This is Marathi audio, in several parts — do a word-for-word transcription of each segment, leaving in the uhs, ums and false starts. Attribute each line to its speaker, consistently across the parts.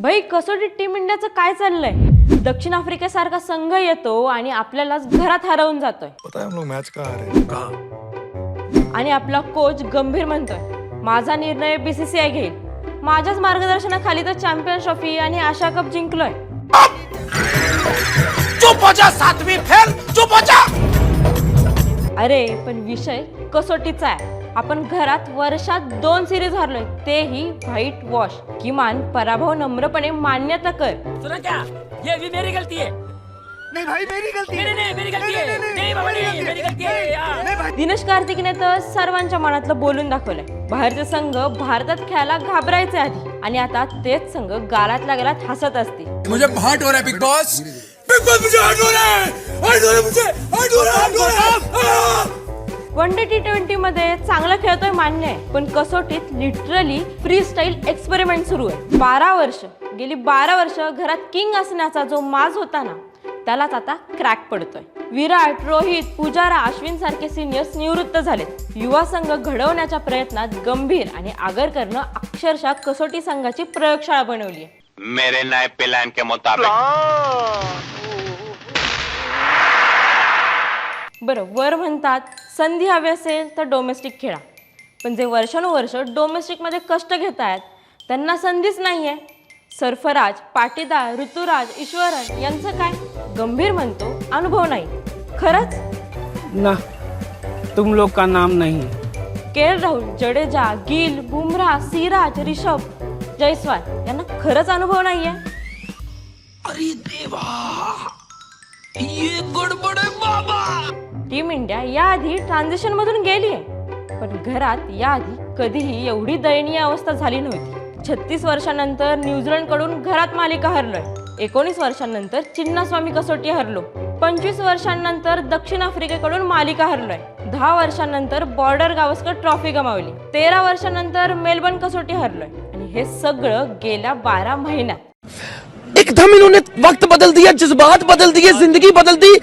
Speaker 1: भाई कसोटी टीम इंडियाचं काय चाललंय? दक्षिण आफ्रिकेसारखा संघ येतो आणि आपल्यालाच घरात हरवून जातोय.
Speaker 2: पता है हम लोग मैच कहाँ आ रहे हैं? कहाँ?
Speaker 1: आणि आपला कोच गंभीर म्हणतोय माझा निर्णय बीसीसीआय घेईल. माझ्याच मार्गदर्शनाखाली तर चॅम्पियन्स ट्रॉफी आणि आशा कप जिंकलोय.
Speaker 3: चुप हो जा सातवीं फेल, चुप हो जा.
Speaker 1: अरे पण विषय कसोटीचा आहे. आपण घरात वर्षात दोन सिरीज हरलोय, तेही व्हाईट वॉश. किमान पराभव नम्रपणे मान्यता कर.
Speaker 3: सुना क्या? ये भी मेरी गलती है.
Speaker 2: नहीं भाई मेरी गलती
Speaker 3: नहीं नहीं मेरी गलती है. नहीं बाबा नहीं मेरी गलती है यार.
Speaker 1: दिनेश कार्तिकने तर सर्वांच्या मनातलं बोलून दाखवलंय. बाहेरचे संघ भारतात खेळायला घाबरायचे आधी आणि आता तेच संघ गालात लागलात हसत असतील.
Speaker 3: मुझे हर्ट हो रहा है बिग बॉस. बिग बॉस मुझे हर्ट हो रहा है. हर्ट हो रहा है मुझे. हर्ट हो रहा है. हर्ट हो रहा है.
Speaker 1: वन डे टी ट्वेंटी मध्ये चांगलं खेळतोय मान्य आहे, पण कसोटीत लिटरली फ्री स्टाईल एक्सपेरिमेंट सुरू आहे. बारा वर्ष गेली बारा वर्ष घरात किंग असण्याचा जो माज होता ना, त्यालाच आता क्रॅक पडतोय. विराट, रोहित, पुजारा, अश्विन सारखे सिनियर्स निवृत्त झालेत. युवा संघ घडवण्याच्या प्रयत्नात गंभीर आणि आगरकरनं अक्षरशः कसोटी संघाची प्रयोगशाळा बनवली आहे.
Speaker 4: मेरे नए प्लान के मुताबिक
Speaker 1: बरं, वर म्हणतात संधी हवी असेल तर डोमेस्टिक खेळा, पण जे वर्षानुवर्ष डोमेस्टिकमध्ये कष्ट घेत आहेत त्यांना संधीच नाही आहे. सरफराज, पाटीदार, ऋतुराज, ईश्वरन यांचं काय? गंभीर म्हणतो अनुभव नाही. खरंच
Speaker 5: ना, तुम लोग का नाम नहीं.
Speaker 1: के एल राहुल, जडेजा, गिल, बुमराह, सिराज, रिषभ, जयस्वाल यांना खरंच अनुभव नाहीये.
Speaker 3: अरे देवा, ये गडबड आहे बाबा.
Speaker 1: टीम इंडिया याआधी ट्रान्झिशन मधून गेली आहे, पण घरात याआधी कधीही एवढी दयनीय अवस्था झाली नव्हती. छत्तीस वर्षांनंतर न्यूझीलंड कडून घरात मालिका हरलोय. एकोणीस वर्षांनंतर चिन्नास्वामी कसोटी हरलो. पंचवीस वर्षांनंतर दक्षिण आफ्रिकेकडून मालिका हरलोय. दहा वर्षांनंतर बॉर्डर गावस्कर ट्रॉफी गमावली. तेरा वर्षांनंतर मेलबर्न कसोटी हरलोय आणि हे सगळं गेल्या बारा महिन्यात.
Speaker 3: एकदम इन्होंने वक्त बदल दिया, जज्बात बदल दिए, जिंदगी बदल दी.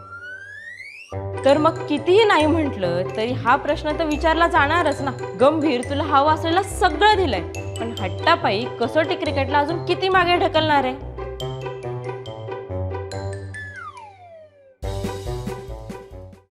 Speaker 1: तर मग कितीही नाही म्हटलं तरी हा प्रश्न तर विचारला जाणारच ना. गंभीर, तुला हवं असलेलं सगळं दिलंय, पण हट्टापायी कसोटी क्रिकेटला अजून किती मागे ढकलणार आहे?